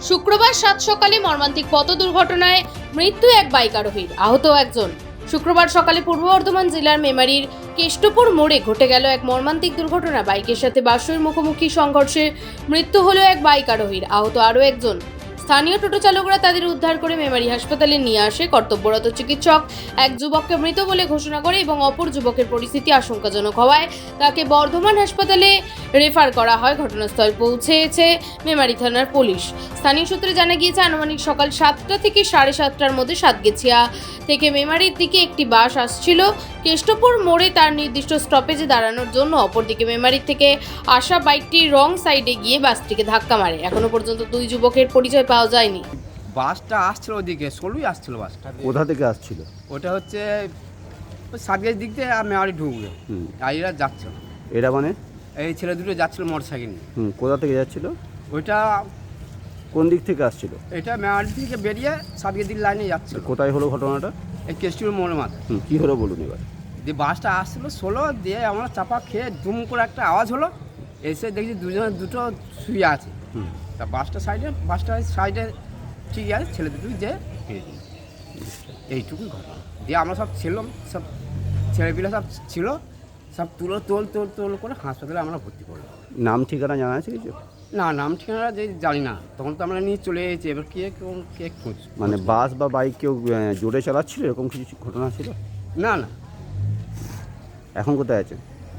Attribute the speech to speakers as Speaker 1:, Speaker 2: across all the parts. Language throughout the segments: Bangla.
Speaker 1: শুক্রবার সাত সকালে মর্মান্তিক পথ দুর্ঘটনায় মৃত্যু এক বাইক আরোহীর, আহত একজন। শুক্রবার সকালে পূর্ব বর্ধমান জেলার মেমারির কেষ্টপুর মোড়ে ঘটে গেল এক মর্মান্তিক দুর্ঘটনা। বাইকের সাথে বাসের মুখোমুখি সংঘর্ষে মৃত্যু হলো এক বাইক আরোহীর, আহত আরও একজন। স্থানীয় টোটো চালকরা তাদের উদ্ধার করে মেমারি হাসপাতালে নিয়ে আসে। কর্তব্যরত চিকিৎসক এক যুবককে মৃত বলে ঘোষণা করে এবং অপর যুবকের পরিস্থিতি আশঙ্কাজনক হওয়ায় তাকে বর্ধমান হাসপাতালে রেফার করা হয়। ঘটনাস্থলে পৌঁছেছে মেমারি থানার পুলিশ। স্থানীয় সূত্রে জানা গিয়েছে, আনুমানিক সকাল 7টা থেকে 7:30টার মধ্যে সাতগেছিয়া থেকে মেমারির দিকে একটি বাস আসছিল কেষ্টপুর মোড়ে তার নির্দিষ্ট স্টপেজে দাঁড়ানোর জন্য। অপরদিকে মেমারির থেকে আসা বাইকটি রং সাইডে গিয়ে বাসটিকে ধাক্কা মারে। এখনো পর্যন্ত দুই যুবকের পরিচয় পাওয়া যায়নি।
Speaker 2: বাসটা আসছিল ওদিকে, ষোলোই আসছিল বাসটা।
Speaker 3: কোথা থেকে আসছিল?
Speaker 2: ওটা হচ্ছে ওই সাতগেজ দিক থেকে আর মেমারি ঢুকবে, আর এরা যাচ্ছিল।
Speaker 3: এরা মানে?
Speaker 2: এই ছেলে দুটো যাচ্ছিল মোটর সাইকেল নিয়ে।
Speaker 3: কোথা থেকে যাচ্ছিল?
Speaker 2: ওইটা
Speaker 3: কোন দিক থেকে আসছিল?
Speaker 2: এটা মেমারি থেকে বেরিয়ে সাতগেজ দিক লাইনে যাচ্ছিল।
Speaker 3: কোথায় হলো ঘটনাটা?
Speaker 2: এই কেষ্টপুর মোড়ের মাথা
Speaker 3: কি হলো বলুন এবার।
Speaker 2: দিয়ে বাসটা আসছিল ষোলো, দিয়ে আমরা চাপা খেয়ে দুম করে একটা আওয়াজ হলো, এসে দেখছি দুটো শুয়ে আছে। তা বাসটা সাইডে ঠিক আছে, ছেলে দুটো যে এইটুকুই ঘটনা। দিয়ে আমরা সব ছিলাম, সব ছেলেপিলে সব ছিল, সব তোল করে হাসপাতালে আমরা ভর্তি করলাম।
Speaker 3: নাম ঠিকানা জানা আছে কিছু?
Speaker 2: না, নাম ঠিকানা যে জানি না, তখন তো আমরা নিয়ে চলে এসেছি। এবার কে খোঁজ,
Speaker 3: মানে বাস বা বাইক কেউ জোরে চালাচ্ছিল এরকম কিছু ঘটনা ছিল?
Speaker 2: না।
Speaker 3: এখন কোথায় আছে?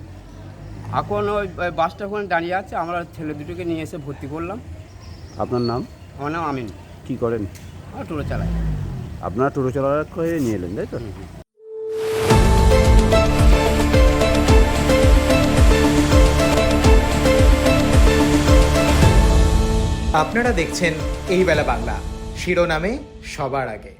Speaker 2: এখন ওই বাসটা ওখানে দাঁড়িয়ে আছে, আমরা ছেলে দুটোকে নিয়ে এসে ভর্তি করলাম।
Speaker 3: আপনার নাম?
Speaker 2: আমার নাম আমিন।
Speaker 3: কি করেন?
Speaker 2: আমরা টোটো চালাই।
Speaker 3: আপনারা টোটো চালার করে নিয়ে এলেন, তাই তো?
Speaker 4: আপনারা দেখছেন এই বেলা বাংলা, শিরোনামে সবার আগে।